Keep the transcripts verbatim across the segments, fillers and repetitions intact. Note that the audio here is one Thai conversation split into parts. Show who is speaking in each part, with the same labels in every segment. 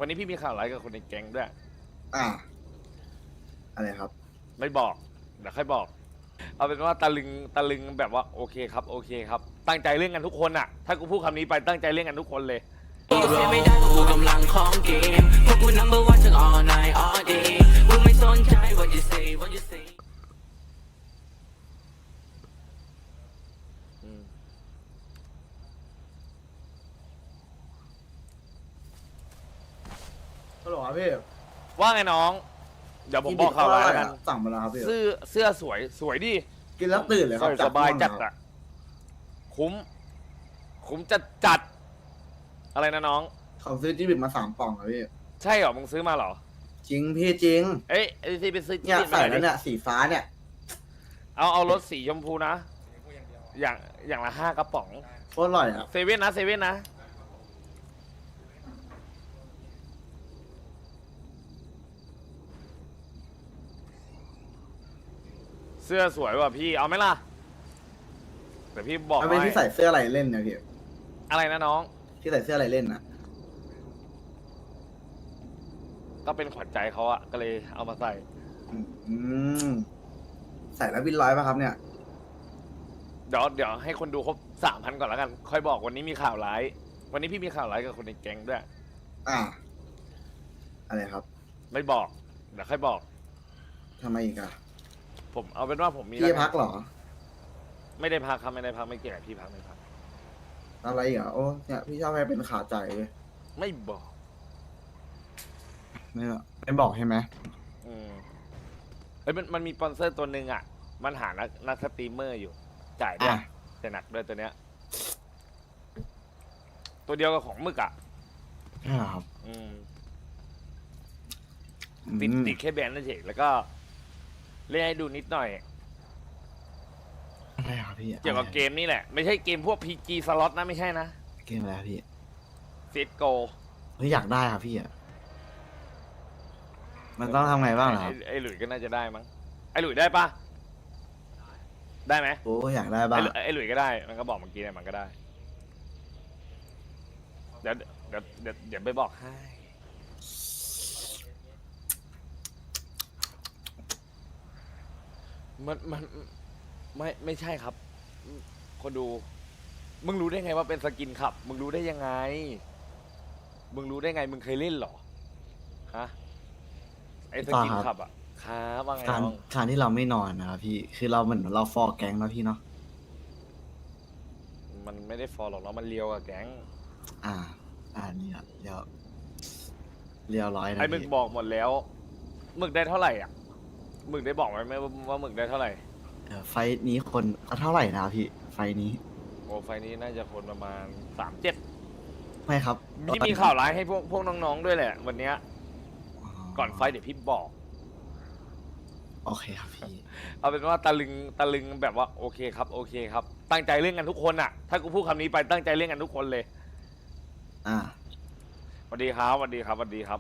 Speaker 1: วันนี้พี่มีข่าวร้ายกับคนในแก๊งด้วย
Speaker 2: อ่าอะไรครับ
Speaker 1: ไม่บอกเดี๋ยวค่อยบอกเอาเป็นว่าตะลึงตะลึงแบบว่าโอเคครับโอเคครับตั้งใจเล่นกันทุกคนอะถ้ากูพูดคำนี้ไปตั้งใจเล่นกันทุกคนเลย
Speaker 3: เสียไม่ได้เพราะกูกำลังของเกมเพราะกู number one ทั้ง all night all day กูไม่สนใจ what you say what you say
Speaker 2: ฮัลโหลครับพี่
Speaker 1: ว่าไงน้องเดี๋ยวผมบอกข่าวร้ายแล้วกัน
Speaker 2: สั่งมาแล้วครับพี่
Speaker 1: เสื้อเสื้อสวยสวยดิ
Speaker 2: กินแล้วตื่นเลยค
Speaker 1: ใส่
Speaker 2: รับ
Speaker 1: สบายจัด
Speaker 2: อะ
Speaker 1: อะคุ้มคุ้มจัดจัดอะไรนะน้อง
Speaker 2: เขาซื้อจิบิตมาสามป่องครับพี่
Speaker 1: ใช่เหรอมึงซื้อมาเหรอ
Speaker 2: จริงพี่จริง
Speaker 1: เอ้ยไอ้ที่ไปซื้อ
Speaker 2: เนี่ย
Speaker 1: จิ้ม
Speaker 2: ใส่
Speaker 1: มาหน่
Speaker 2: แล้
Speaker 1: อ
Speaker 2: วย
Speaker 1: ดิ
Speaker 2: เนี่ยสีฟ้าเนี่ย
Speaker 1: เอาเอารถสีชมพูนะ อย่างอย่างละห้ากระป๋อง
Speaker 2: โคตรอร่อยอ่ะ
Speaker 1: เซเว่นนะเซเว่นนะเสื้อสวยว่ะพี่เอาไหมล่ะแต่พี่บอก
Speaker 2: มันเป็น
Speaker 1: ให้
Speaker 2: ที่ใส่เสื้ออะไรเล่นเนี่ยพี่
Speaker 1: อะไรนะน้อง
Speaker 2: ที่ใส่เสื้ออะไรเล่นนะ
Speaker 1: ก็เป็นขวัญใจเขาอะก็เลยเอามาใส่
Speaker 2: อืมใส่แล้ววินร้อยป่ะครับเนี่ย
Speaker 1: เดี๋ยวเดี๋ยวให้คนดูครบสามพันก่อนแล้วกัน ค่อยบอกวันนี้มีข่าวร้าย วันนี้พี่มีข่าวร้ายกับคนในแก๊งด้วย
Speaker 2: อ่าอะไรครับ
Speaker 1: ไม่บอกเดี๋ยวค่อยบอก
Speaker 2: ทำไมอีกอ่ะ
Speaker 1: ผมเอาเป็นว่าผมมี
Speaker 2: พี่
Speaker 1: แล้ว
Speaker 2: พักเหรอ
Speaker 1: ไม่ได้พักครับไม่ได้พักไม่เกี่ยวกับพี่พักไม่พัก
Speaker 2: อะไรอีกอ่ะโอ้เนี่ยพี่ชอบให้เป็นขาใจเลย
Speaker 1: ไม่บอก
Speaker 2: ไม่ไม่บอกใช่ไหม
Speaker 1: อืมเอ้ยมันมันมีสปอนเซอร์ตัวหนึ่งอ่ะ มันหานักนักสตรีมเมอร์อยู่ จ่ายด้วย
Speaker 2: อ่ะ
Speaker 1: แต่หนักด้วยตัวเนี้ย ตัวเดียวกับของหมึกอ่ะ
Speaker 2: ใช่ครับ
Speaker 1: อืมติด
Speaker 2: อืม
Speaker 1: ติดแค่แบรนด์นั่นเองแล้วก็เล่นให้ดูนิดหน่อย
Speaker 2: อะไรครับพี่
Speaker 1: เกี่ยวกับเกมนี่แหละ ไม่ใช่เกมพวก พี จี สล็อตนะไม่ใช่นะ
Speaker 2: เกมอะไรครับพี่
Speaker 1: ซีดโก
Speaker 2: เฮ้ยอยากได้ครับพี่อ่ะมันต้องทำไงบ้างเหรอครับ
Speaker 1: ไอ้หลุยก็น่าจะได้มั้งไอ้หลุยได้ปะได้ไหม
Speaker 2: โอ้อยากได้บ้า
Speaker 1: ไอ้
Speaker 2: ง
Speaker 1: หลุยไอ้หลุยก็ได้ มันก็บอกเมื่อกี้เนี่ยมันก็ได้ เดี๋ยวเดี๋ยวเดี๋ยวเดี๋ยวไปบอกให้ มันมันไม่ไม่ใช่ครับ คนดู มึงรู้ได้ไงว่าเป็นสกินขับ มึงรู้ได้ยังไง มึงรู้ได้ไง มึงเคยเล่นเหรอ ฮะ ไอ้สกินขับอ่ะครับว่าไง
Speaker 2: การ
Speaker 1: น้อง
Speaker 2: การที่เราไม่นอนนะครับพี่ คือเราเหมือนเราฟอร์แก๊งเนาะพี่เนาะ
Speaker 1: มันไม่ได้ฟอลหรอกเนาะมันเลียวกับแก๊ง
Speaker 2: อ่า อ่านี่อะเรียวเรียวร้อยนะ
Speaker 1: ไอ้หมึก
Speaker 2: พี่
Speaker 1: บอกหมดแล้วหมึกได้เท่าไหร่อ่ะหมึกได้บอกไหมว่าว่าหมึกได้เท่าไหร่
Speaker 2: เออไฟท์นี้คนเอาเท่าไหร่นะครับพี่ ไฟท์นี้
Speaker 1: โอ้ไฟล์นี้น่าจะคนประมาณสามเจ็ด
Speaker 2: ไม่ครับ
Speaker 1: พี่มีข่าวร้ายให้พวกพวกน้องๆด้วยแหละ วันเนี้ยก่อนไฟล์เดี๋ยวพี่บอก
Speaker 2: โอเคครับพี่
Speaker 1: เอาเป็นว่าตะลึงตะลึงแบบว่าโอเคครับโอเคครับ ตั้งใจเล่นกันทุกคนอ่ะ ถ้ากูพูดคำนี้ไปตั้งใจเล่นกันทุกคนเลย
Speaker 2: อ่า
Speaker 1: สวัสดีครับสวัสดีครับสวัสดีครับ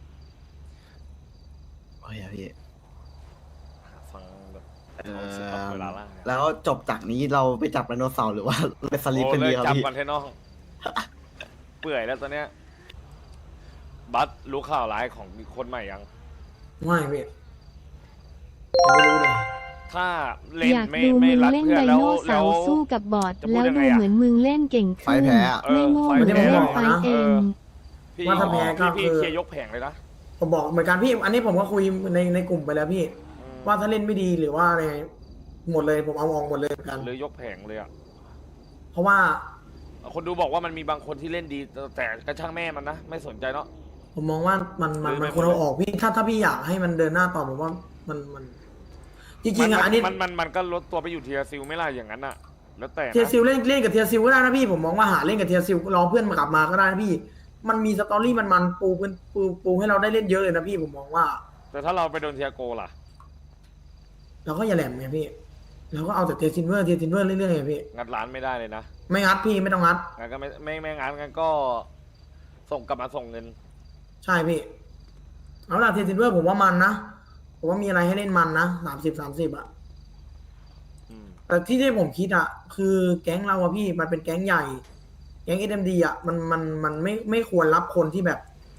Speaker 2: โอเคครับพี่
Speaker 1: ฟังแบบ
Speaker 2: เอ
Speaker 1: ความรู้สึกแบบ
Speaker 2: อ
Speaker 1: เวลาล่างเนี่ย
Speaker 2: แล้วจบจากนี้เราไปจับไดโนเสาร์หรือว่าไปสลิป
Speaker 1: โอ้
Speaker 2: เป็น
Speaker 1: เล
Speaker 2: ดี
Speaker 1: ย
Speaker 2: ครับ
Speaker 1: จับ
Speaker 2: พี่
Speaker 1: กันเทน้อง เปื่อยแล้วตอนเนี้ยบัสรู้ข่าวร้ายของคนใหม่ยัง
Speaker 4: ไม่พี่ยังไม่รู้เลย
Speaker 1: ถ้าเล่น
Speaker 5: อยาก
Speaker 1: ไม่
Speaker 5: ดู
Speaker 1: ไม่
Speaker 5: มึง
Speaker 1: รัด
Speaker 5: เล่น
Speaker 1: เพื่อ
Speaker 5: ได
Speaker 1: นแล้ว
Speaker 5: โน
Speaker 1: แล้
Speaker 5: เสาว ร์สู้กับบอท
Speaker 1: จะพู
Speaker 5: แล้
Speaker 1: ด
Speaker 5: ว
Speaker 1: ยังไงอะ
Speaker 5: ดูเหมือนมึงเล่นเก่ง
Speaker 2: ไฟ
Speaker 5: ขึ้น
Speaker 2: แพ้อะ
Speaker 1: เอ
Speaker 5: ไม่
Speaker 1: อ
Speaker 5: โง่
Speaker 1: ไฟ
Speaker 5: มึง
Speaker 1: แพ้
Speaker 5: เล่นไฟเอง
Speaker 1: พี่
Speaker 4: ว่าถ้าแพ้ก็
Speaker 1: พี่
Speaker 4: คือ
Speaker 1: เคลียร์ยกแผงเลยนะ
Speaker 4: ผมบอกเหมือนกันพี่ อันนี้ผมก็คุยในในกลุ่มไปแล้วพี่
Speaker 1: อืม
Speaker 4: ว่าถ้าเล่นไม่ดีหรือว่าอะไรหมดเลยผมเอาออกหมดเลยเหมือนกัน
Speaker 1: หรือยกแผงเลยอ่ะ
Speaker 4: เพราะว่า
Speaker 1: คนดูบอกว่ามันมีบางคนที่เล่นดี แต่กระช่างแม่มันนะไม่สนใจเนาะ
Speaker 4: ผมมองว่ามันมัน
Speaker 1: หรือไม่
Speaker 4: มันควรเอาออกพี่ ถ้าถ้าพี่อยากให้มันเดินหน้าต่อผมว่ามันมัน จริงๆอ่ะอันนี้
Speaker 1: มันมันมันก็ลดตัวไปอยู่เทียซิลไม่ล่ะอย่างนั้นอ่ะ แล้วแต่นะ
Speaker 4: เทียซิลเล่นเล่นกับเทียซิลก็ได้นะพี่ ผมมองว่าหาเล่นกับเทียซิลรอเพื่อนมากลับมาก็ได้นะพี่ มันมีสตอรี่มันมันปูเป็นปูปูให้เราได้เล่นเยอะเลยนะพี่ผมมองว่า
Speaker 1: แต่ถ้าเราไปโดนเทียโกล่ะ
Speaker 4: เราก็อย่าแหลมไงพี่เราก็เอาแต่เทียซินเวอร์เทียซินเวอร์เรื่อยๆไงพี่
Speaker 1: งัดร้านไม่ได้เลยนะ
Speaker 4: ไม่งัดพี่ไม่ต้องงัด
Speaker 1: งั้นก็ไม่ไม่ไม่งั้นงั้นก็ส่งกลับมาส่งเงิน
Speaker 4: ใช่พี่เอาล่ะเทียซินเวอร์ผมว่ามันนะผมว่ามีอะไรให้เล่นมันนะสามสิบสามสิบอะ
Speaker 1: อืม
Speaker 4: แต่ที่ที่ผมคิดอะคือแก๊งเราอะพี่มันเป็นแก๊งใหญ่ แก๊งเอ็มดีอะมันมันมันไม่ไม่ควรรับคนที่แบบ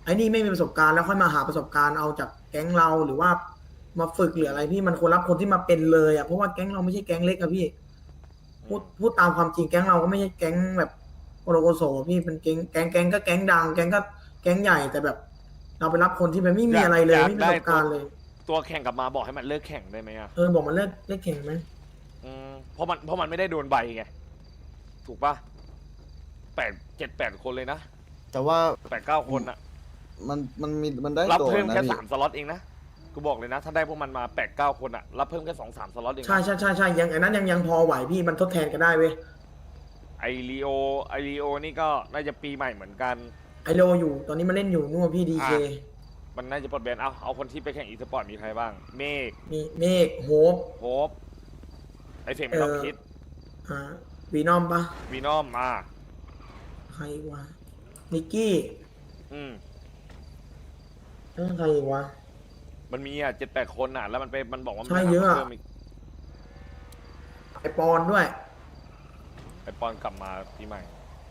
Speaker 4: ไอ้นี่ไม่มีประสบการณ์แล้วค่อยมาหาประสบการณ์เอาจากแก๊งเราหรือว่ามาฝึกหรืออะไรพี่มันควรรับคนที่มาเป็นเลยอ่ะเพราะว่าแก๊งเราไม่ใช่แก๊งเล็กอะพี่พูดพูดตามความจริงแก๊งเราก็ไม่ใช่แก๊งแบบโอโรโกโซพี่เป็นแก๊งแก๊งแก๊งก็แก๊งดังแก๊งก็แก๊งใหญ่แต่แบบ เราไปรับคนที่มันไม่มีอะไรเลยไม่มีประสบการณ์เลย
Speaker 1: ตัวแข่งกลับมาบอกให้มันเลิกแข่งได้ไหมอ่ะ
Speaker 4: เออบอกมันเลิกเลิกแข่งไหม
Speaker 1: อืมเพราะมันเพราะมันไม่ได้โดนใบไงถูกปะแปดเจ็ดแปดคนเลยนะ
Speaker 2: แต่ว่า
Speaker 1: แปดเก้าคนอะ
Speaker 2: มันมันมีมันได้
Speaker 1: รับ
Speaker 2: ตัว
Speaker 1: เพิ่ม
Speaker 2: นะ
Speaker 1: แค่
Speaker 2: พี่
Speaker 1: สามสล็อตเองนะกูบอกเลยนะ ถ้าได้พวกมันมาแปดเก้าคนอะรับเพิ่มแค่สองสามสล็อตเองนะ
Speaker 4: ใช่ใช่ใช่ใช่ยังไอ้นั้นยังยังพอไหวพี่มันทดแทนกันได้เว้ย
Speaker 1: ไอรีโอไอรีโอนี่ก็น่าจะปีใหม่เหมือนกัน
Speaker 4: ไอโลอยู่ตอนนี้มันเล่นอยู่นู่นพี่ดีเค
Speaker 1: อ่ะ มันน่าจะปลดแบนเอาเอาคนที่ไปแข่งอีสปอร์ตมีใครบ้าง เมฆ
Speaker 4: มีเมฆโฮป
Speaker 1: โฮปไอเฟกไม่ต้อง
Speaker 4: เออ
Speaker 1: คิด
Speaker 4: อ่าวีนอมปะ
Speaker 1: วีนอมมา
Speaker 4: ใครอีกวะนิกกี้
Speaker 1: อืม
Speaker 4: เออใครอีกวะ
Speaker 1: มันมีอ่ะเจ็ดแปดคนอ่ะ แล้วมันไปมันบอกว่ามัน
Speaker 4: ใช่เยอะอะ
Speaker 1: พิ่มก
Speaker 4: ไอปอนด้วย
Speaker 1: ไอปอนกลับมาปีใหม่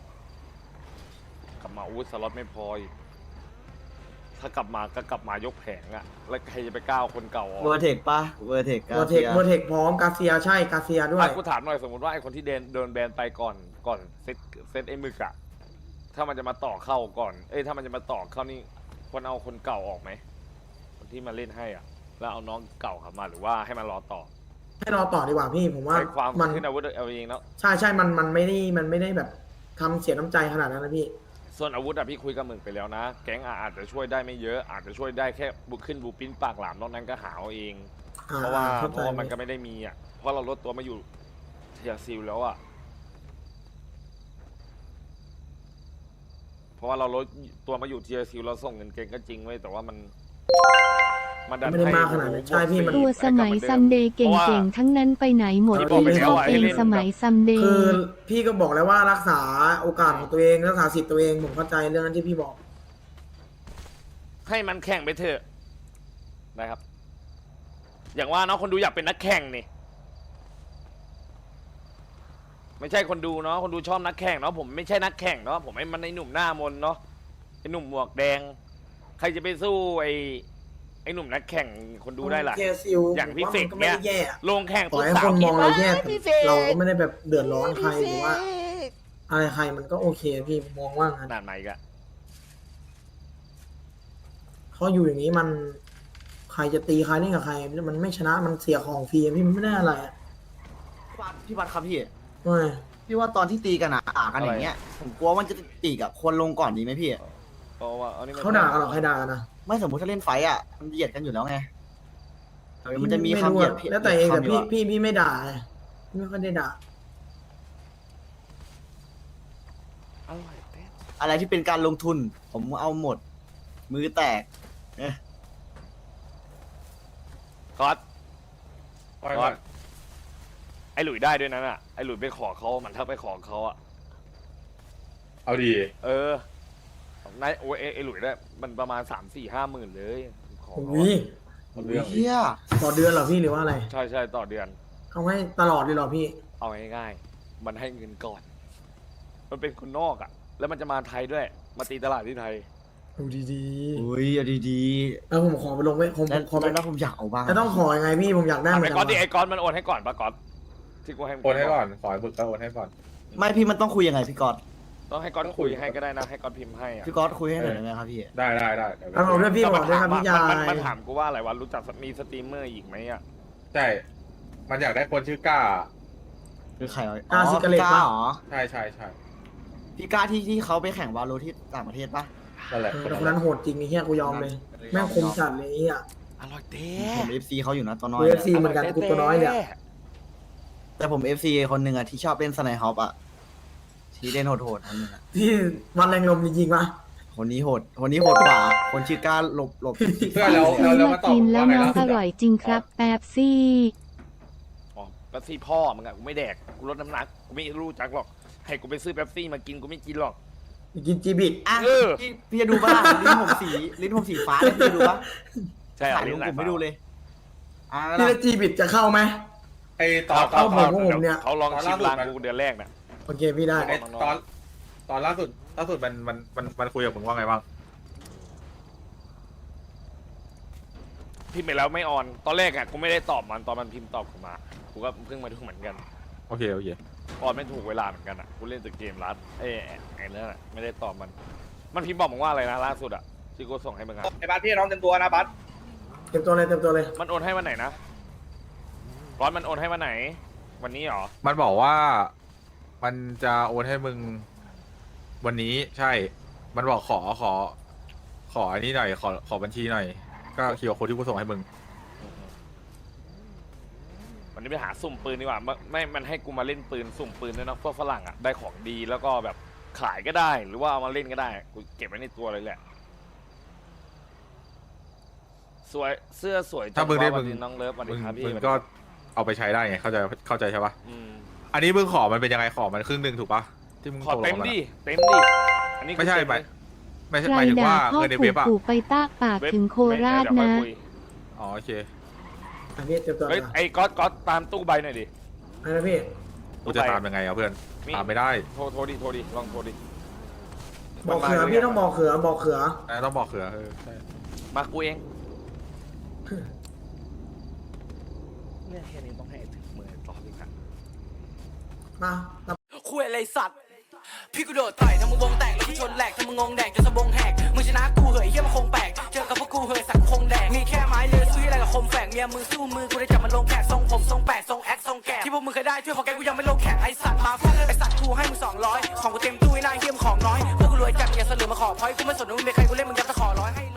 Speaker 1: กลับมาอู้สล็อตไม่พออีกถ้ากลับมาก็กลับมายกแผงอ่ะ แล้วใครจะไปก้าวคนเก่าออก
Speaker 2: เวอร์เทคปะเวอร์เทค
Speaker 4: เวอร์เทคเวอร์เทคพร้อมกาเซียใช่กาเซียด้วย
Speaker 1: อ่ะกูถามหน่อยสมมติว่าไอคนที่เดนโดนแบนไปก่อนก่อนเซตเซตไอหมึกอะถ้ามันจะมาต่อเข้าก่อน เอ้ยถ้ามันจะมาต่อเข้านี่ควรเอาคนเก่าออกไหมคนที่มาเล่นให้อ่ะ แล้วเอาน้องเก่าเข้ามาหรือว่าให้มันรอต่อ
Speaker 4: ให้รอต่อดีกว่าพี่ผมว่า
Speaker 1: ใช้ความ
Speaker 4: มัน
Speaker 1: ขึ้นอาวุธเอาเองแล้ว
Speaker 4: ใช่ใช่มันมันไม่ได้มันไม่ได้แบบทำเสียน้ำใจขนาดนั้นนะพี่
Speaker 1: ส่วนอาวุธอะพี่คุยกับหมึกไปแล้วนะ แก๊งอะอาจจะช่วยได้ไม่เยอะอาจจะช่วยได้แค่บุกขึ้นบูปิ้นปากหลามนอกนั้นก็หาเอาเอง
Speaker 4: อ่
Speaker 1: เพราะว่า
Speaker 4: เข้
Speaker 1: เพ
Speaker 4: ใจ
Speaker 1: ราะว่ามันก็ไม่ได้มีอ่ะเพราะเราลดตัวมาอยู่เทียซิลแล้วอ่ะเพราะว่าเราลดตัวมาอยู่เทียซิลเราส่งเงินเก่งก็จริงเว้ยแต่ว่ามันมันดัน
Speaker 4: ไม่ได้
Speaker 1: ให้
Speaker 4: มากขนาดนั้นใช่พี่มัน
Speaker 5: ตัวสมัยซัมเดย์เก่งๆ ทั้งนั้นไปไหนหมด
Speaker 1: ที่บอกไป
Speaker 5: พี่
Speaker 1: แล้
Speaker 5: ช
Speaker 1: ว
Speaker 5: อบ
Speaker 1: อะ
Speaker 5: เอ
Speaker 1: ให้
Speaker 5: ง
Speaker 1: เล่น
Speaker 5: สมัยซัมเด
Speaker 4: คือ
Speaker 5: ย์
Speaker 4: พี่ก็บอกแล้วว่ารักษาโอกาสของตัวเองรักษาสิทธิ์ตัวเองผมเข้าใจเรื่องนั้นที่พี่บอก
Speaker 1: ให้มันแข่งไปเถอะนะครับ อย่างว่าเนาะคนดูอยากเป็นนักแข่งนี่ไม่ใช่คนดูเนาะคนดูชอบนักแข่งเนาะผมไม่ใช่นักแข่งเนาะผมไอ้มันไอ้หนุ่มหน้ามนเนาะไอ้หนุ่มหมวกแดง ใครจะไปสู้ไอ้ไอ้หนุ่มนักแข่งคนดูได้ล่ะ
Speaker 4: เทียซิล
Speaker 1: อย่างพี่
Speaker 4: ผมว่
Speaker 1: เฟก
Speaker 4: มันก็ไม่
Speaker 1: เนี่ย
Speaker 4: ได้แย่
Speaker 1: ลงแข่ง
Speaker 4: ต่อ
Speaker 1: ปุ๊บ
Speaker 4: ให้
Speaker 1: สา
Speaker 4: ค
Speaker 1: วน
Speaker 4: ม
Speaker 1: คิด
Speaker 4: อง
Speaker 1: ว่า
Speaker 4: เราแย่
Speaker 1: พี่เฟ
Speaker 4: แต่
Speaker 1: ก
Speaker 4: เราก็ไม่ได้แบบเดือดร้อนใครหรือว่า อะไรใครมันก็โอเคพี่มองว่างั้น
Speaker 1: นานไหมกะ
Speaker 4: เขาอยู่อย่างนี้มัน ใครจะตีใครเล่นกับใคร มันไม่ชนะมันเสียของฟรีพี่มันไม่ได้อะไรอะ
Speaker 2: พี่วัดพี่วัดครับพี่
Speaker 4: ไม่
Speaker 2: พี่ว่าตอนที่ตีกันอะด่ากันอย่างเงี้ยผมกลัวว่ามันจะตีกับคนลงก่อนดีไหมพี่
Speaker 1: เพราะว่าอันนี้มัน
Speaker 4: เขาด่ากันหรอใครด่ากันนะ
Speaker 2: ไม่สมมติถ้าเล่นไฟต์อะมันเหยียดกันอยู่แล้วไงแต่มันจะมีคำ
Speaker 4: ไรู้
Speaker 2: เหยีย
Speaker 4: อะ
Speaker 2: ดผิด
Speaker 4: แล้วแต่เองแต่
Speaker 2: คำยู่
Speaker 4: พี่
Speaker 2: อะ
Speaker 4: พี่พี่ไม่ด่าไงพี่ไม่ค่อยได้ด่า
Speaker 1: อร่อยเต้น
Speaker 2: อะไรที่เป็นการลงทุน ผมเอาหมด มือแตกเอ๊ะ
Speaker 1: ก๊อตก๊อตไอ้หลุยได้ด้วยนั่นอ่ะไอ้หลุยไปขอเขามันถ้าไปขอเขาอ่ะ
Speaker 6: เอาดี
Speaker 1: เออนายโอ้ยไอ้ไอ้หลุยได้มันประมาณสามสี่ห้าหมื่นเลยขอ
Speaker 4: โอ้
Speaker 1: เขา
Speaker 4: ย
Speaker 1: อะ
Speaker 6: เอาเรื่องดิ
Speaker 2: เฮีย
Speaker 4: ต่อเดือนเหรอพี่หรือว่าอะไร
Speaker 1: ใช่ใช่ต่อเดือน
Speaker 4: เอาให้ตลอดเลยเหรอพี่
Speaker 1: เอาง่ายๆมันให้เงินก่อน มันเป็นคนนอกอ่ะ แล้วมันจะมาไทยด้วย มาตีตลาดที่ไทย
Speaker 4: ดูดี
Speaker 2: อุ้ยเอาดี
Speaker 4: ๆแล้วผมขอไปลงไว้ผม
Speaker 2: ๆแล้ว
Speaker 4: ขอไป
Speaker 2: แล้วผมอยากเอาบ้าง
Speaker 4: แล้วต้องขอยังไงพี่ผมอยากได้เหมื
Speaker 1: ไอ้
Speaker 4: อน
Speaker 1: ก๊
Speaker 4: กั
Speaker 1: อตดิ
Speaker 4: น
Speaker 1: ไอ้ก๊อตมันโอนให้ก่อนปะก๊อตที่กูให้มึง
Speaker 6: โอนให้ก่อน ขอให้บึกก็โอนให้ก่อน
Speaker 2: ไม่พี่มันต้องคุยยังไงพี่ก๊อต
Speaker 1: ต้องให้ก๊อตคุยให้ก็ได้นะ ให้ก๊อตพิมพ์ให้อ่ะ
Speaker 2: พี่ก๊อตคุยให้หน่อยได้ไหมครับพี่
Speaker 6: ได้ได้ได้เดี๋ยว
Speaker 4: แล้วผมด้วยพี่บอกด้วยครับพี่ยา
Speaker 1: มันมัน
Speaker 4: ย
Speaker 1: ถามกูว่าอะไรวะรู้จักมีสตรีมเมอร์อีกไหมอ่ะ
Speaker 6: ใช่ มันอยากได้คนชื่อก้า
Speaker 2: คือใครวะ
Speaker 4: กล้าซิกาเล็ต
Speaker 2: พี่
Speaker 4: ปะ
Speaker 2: เหรอ
Speaker 6: ใช่ใช่ใช่
Speaker 2: พี่ก้าที่ที่เขาไปแข่งวาโลที่ต่างประเทศปะ
Speaker 6: นั่นแหละ
Speaker 4: เออแต่คนนั้นโหดจริงไอ้เหี้ยกูยอมเลย แม่งคมจัดเลยไอ้เหี้ย
Speaker 1: อร่อยเต้
Speaker 2: ผมเอฟซีเขาอยู่นะตัวน้อย
Speaker 4: เอ
Speaker 2: เนี่ย
Speaker 4: ฟซีเหมือนกันกูตัวน้อยเนี่ย
Speaker 2: แต่ผมเอฟซีคนหนึ่งอะที่ชอบเล่นสไนฮอปอะที่เล่นโหดๆคนหนึงอะ
Speaker 4: ที่วันแรงลมจริงๆปะ
Speaker 2: คนนี้โหด คนนี้โหดกว่า คนชื่อก้าหลบหลบ
Speaker 6: เพื่อนแล้วแล้วแล้ว
Speaker 5: มา
Speaker 6: มาตอบ
Speaker 5: กินแล้ว
Speaker 6: ว่าไง
Speaker 5: น้อง
Speaker 6: ล่ะ
Speaker 5: อร่อยจริงครับแป๊บซี่
Speaker 1: อ๋อแป๊บซี่พ่อมึงอะกูไม่แดก กูลดน้ำหนัก กูไม่รู้จักหรอก ให้กูไปซื้อแป๊บซี่มากินกูไม่กินหรอก
Speaker 4: กินจีบิ
Speaker 2: อ่ะ
Speaker 1: เออ
Speaker 2: พี่พี่จะดูป่ะลิ้นผมสีลิ้นผมสีฟ้าเลยพี่จะดูป่ะ
Speaker 1: ใช่เหรอ
Speaker 2: ถ่ายลงกลุ่มให้ดูเลยอ่ะ
Speaker 4: นี่แล้วจีบิจะเข้าไหม
Speaker 6: ไอตอนต
Speaker 1: เขา
Speaker 6: อน
Speaker 1: เขา
Speaker 6: ตอน
Speaker 4: ผมเนี่ย
Speaker 1: เขาลองชิม
Speaker 6: ตอนล่าสุด
Speaker 1: ลาง
Speaker 6: มัน
Speaker 1: กูเดือนแรกน่ะ
Speaker 4: โอเคพี่ได้
Speaker 6: ไอตอนตอนล่าสุดล่าสุดมันมันมันมันคุยกับมึงว่าไงบ้าง
Speaker 1: พิมพ์ไปแล้วไม่ออน ตอนแรกอะกูไม่ได้ตอบมันตอนมันพิมพ์ตอบกูมา กูก็เพิ่งมาดูเหมือนกัน
Speaker 6: โอเคโอเค
Speaker 1: ออนไม่ถูกเวลาเหมือนกันอะกูเล่นแต่เกมรัดเอ้ยไอ้นั่นอะไม่ได้ตอบมัน มันพิมพ์บอกมึงว่าอะไรนะล่าสุดอะที่กูส่งให้มึงอะ
Speaker 7: ไอ้บัสพี่น้องเต็มตัวนะบัส
Speaker 4: เต็มตัวเลยเต็มตัวเลย
Speaker 1: มันโอนให้วันไหนนะร้อนมันโอนให้วันไหน วันนี้เหรอ
Speaker 6: มันบอกว่ามันจะโอนให้มึงวันนี้ใช่ มันบอกขอขอ ขออันนี้หน่อยขอขอบัญชีหน่อย ก็คิวโค้ดที่กูส่งให้มึง
Speaker 1: วันนี้ไปหาสุ่มปืนดีกว่าไม่ไม่ มันให้กูมาเล่นปืนสุ่มปืนด้วยนะพวกฝรั่งอ่ะ ได้ของดีแล้วก็แบบขายก็ได้ หรือว่าเอามาเล่นก็ได้ กูเก็บไว้ในตัวเลยแหละ สวย เสื้อสวยจั
Speaker 6: ถ้ามึงได้
Speaker 1: วะ
Speaker 6: มึง
Speaker 1: วันนี้น้องเลิฟสวัส
Speaker 6: มึ
Speaker 1: ดี
Speaker 6: ง
Speaker 1: ครับพี่
Speaker 6: มึงก็เอาไปใช้ได้ไง เข้าใจเข้าใจใช่ปะ
Speaker 1: อืม
Speaker 6: อันนี้มึงขอมันเป็นยังไงขอมันครึ่งหนึ่งถูกปะที่มึง
Speaker 1: ขอ
Speaker 6: ตกลง
Speaker 1: เต็ม
Speaker 6: กัน
Speaker 1: ดิ
Speaker 6: อะ
Speaker 1: เต็มดิ อันนี้กู
Speaker 6: ไม่ใช่
Speaker 1: เต็
Speaker 6: หมาย
Speaker 1: เลย
Speaker 6: ไม่ใช่
Speaker 5: ใคร
Speaker 6: หมายถึง
Speaker 5: ด่า
Speaker 6: ว่า
Speaker 5: พ่อ
Speaker 6: เงินใน
Speaker 5: ผู
Speaker 6: เว็
Speaker 5: ก
Speaker 6: บอะ
Speaker 5: ผูกไปตากปาก
Speaker 1: เว็บ
Speaker 5: ถึงโค
Speaker 1: เว็บ
Speaker 5: ราช
Speaker 1: เดี๋ยวค่อย
Speaker 5: นะ
Speaker 1: คุย
Speaker 6: อ๋อโอเค
Speaker 4: อันนี้เต็มตัว
Speaker 1: เฮ้ย
Speaker 4: นะ
Speaker 1: ไอ้ก๊อตก๊อตตามตู้ใบหน่อยดิ
Speaker 4: อะไรนะพี่
Speaker 6: กูจะตามยังไงอะเพื่อน
Speaker 1: มี
Speaker 6: ตามไม่ได้
Speaker 1: โทรโทรดิ โทรดิ ลองโทรดิ
Speaker 4: บอกเขือพี่ต้องบอกเขือบอกเขือ
Speaker 6: แต่ต้องบอกเขือเออใช่
Speaker 1: มากูเองเนี่ยแค่นี้ต้องให้ถึงมือต่ออีกนะ
Speaker 4: มา
Speaker 3: คุยอะไรสัตว์ พี่กูโดดต่อยทำมึงวงแตกแล้วกูชนแหลกทำมึงงงแดกจนสะบงแหกมึงชนะกูเหยเฮียมันคงแปลกเจอกับพวกกูเหยสักคงแดกมีแค่ไม้เลือซื้ออะไรกับคมแฝกเมียมึงสู้มือกูได้จับมันลงแขกทรงผมทรงแปดทรงแอคทรงแกะที่พวกมึงเคยได้ช่วยพอแกกูยังไม่ลงแขกไอสัตว์มาฟังไอสัตว์กูให้มึงสองร้อยของกูเต็มตู้ไอ้นายเฮียมของน้อยพวกกูรวยจัดอย่าเสลือมาขอพอยกูไม่สนว่ามึงเป็นใครกูเล่นมึงยัดตะขอร้อยให้